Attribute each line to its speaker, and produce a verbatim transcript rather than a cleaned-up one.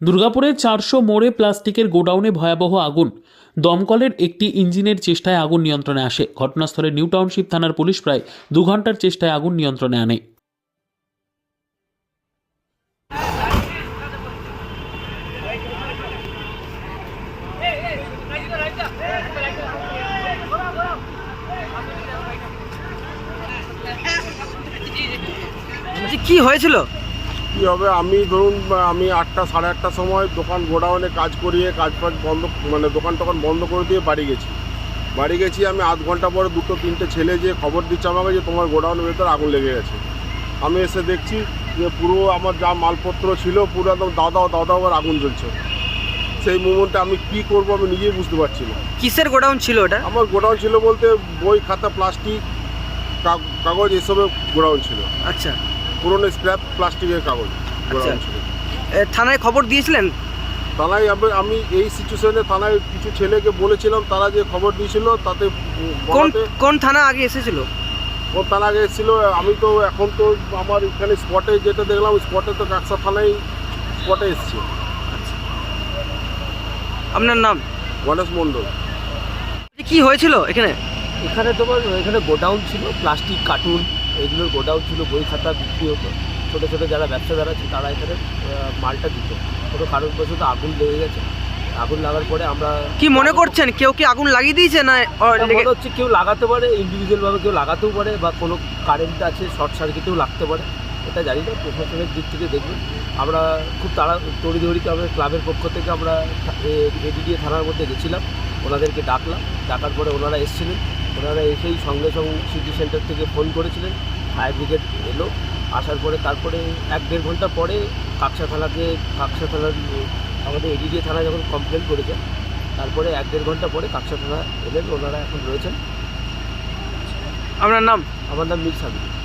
Speaker 1: দুর্গাপুরের চারশো মোড়ে প্লাস্টিকের গোডাউনে ভয়াবহ আগুন। দমকলের একটি ইঞ্জিনের চেষ্টায় আগুন নিয়ন্ত্রণে আসে। ঘটনাস্থলে নিউ টাউনশিপ থানার পুলিশ প্রায় দু ঘন্টার চেষ্টায় আগুন নিয়ন্ত্রণে আনে।
Speaker 2: কি হয়েছিল?
Speaker 3: কী হবে, আমি ধরুন আমি আটটা সাড়ে আটটার সময় দোকান গোডাউনে কাজ করিয়ে কাজ ফাজ বন্ধ, মানে দোকান টোকান বন্ধ করে দিয়ে বাড়ি গেছি। বাড়ি গেছি আমি আধ ঘন্টা পরে দুটো তিনটে ছেলে যে খবর দিচ্ছে আমাকে যে তোমার গোডাউনের ভেতর আগুন লেগে গেছে। আমি এসে দেখছি যে পুরো আমার যা মালপত্র ছিল পুরো একদম দাদা দাদা আবার আগুন জ্বলছে। সেই মুহূর্তে আমি কি করব আমি নিজেই বুঝতে পারছি না।
Speaker 2: কিসের গোডাউন ছিল ওটা?
Speaker 3: আমার গোডাউন ছিল বলতে বই খাতা প্লাস্টিক কাগজ এসবের গোডাউন ছিল।
Speaker 2: আচ্ছা,
Speaker 3: পুরনো স্ক্র্যাপ প্লাস্টিকের কাগজ গোডাউন ছিল।
Speaker 2: এ, থানায় খবর দিয়েছিলেন?
Speaker 3: থানায় আমি- আমি এই সিচুয়েশনে থানায় কিছু ছেলেকে বলেছিলাম, তারা যে খবর দিয়েছিল তাতে
Speaker 2: কোন
Speaker 3: বলাতে
Speaker 2: কোন থানা আগে এসেছিল?
Speaker 3: ও থানা এসেছিল। আমি তো এখন তো আমার এখানে স্পটে যেটা দেখলাম স্পটে তো কাকসা থানায় স্পটে এসছে।
Speaker 2: আপনার নাম?
Speaker 3: গণেশ মণ্ডল।
Speaker 2: কি হয়েছিল এখানে?
Speaker 4: এখানে তোমার এখানে গোডাউন ছিল, প্লাস্টিক কার্টুন এগুলোর গোডাউন ছিল, বই খাতা বিক্রি হতো। ছোটো ছোটো যারা ব্যবসাদার আছে তারা এখানে আহ, মালটা দিত। কোনো কারণবশত আগুন লেগে গেছে। আগুন লাগার পরে আমরা
Speaker 2: কি মনে করছেন, কেউ কি আগুন লাগিয়ে দিয়েছে না ও,
Speaker 4: এটা
Speaker 2: লেগে-
Speaker 4: মনে হচ্ছে কেউ লাগাতে পারে, ইন্ডিভিজুয়ালভাবে কেউ লাগাতেও পারে, বা কোনো কারেন্ট আছে শর্ট সার্কিটেও লাগতে পারে, এটা জানি না। প্রশাসনের দিক থেকে দেখবেন আমরা খুব তাড়া তড়িঘড়িতে আমরা ক্লাবের পক্ষ থেকে আমরা এডিডিএ থানার মধ্যে গেছিলাম, ওনাদেরকে ডাকলাম। ডাকার পরে ওনারা এসেছিলেন। ওনারা এসেই সঙ্গে সঙ্গে সিটি সেন্টার থেকে ফোন করেছিলেন, ফায়ার ব্রিগেড এলো। আসার পরে তারপরে এক দেড় ঘন্টা পরে কাকসা থানাকে কাকসা থানার আমাদের এডিডিএ থানা যখন কমপ্লেন করেছে, তারপরে এক দেড় ঘন্টা পরে কাকসা থানা এলেন। ওনারা এখন রয়েছেন।
Speaker 2: আপনার নাম?
Speaker 4: আমার নাম মীর সাবির।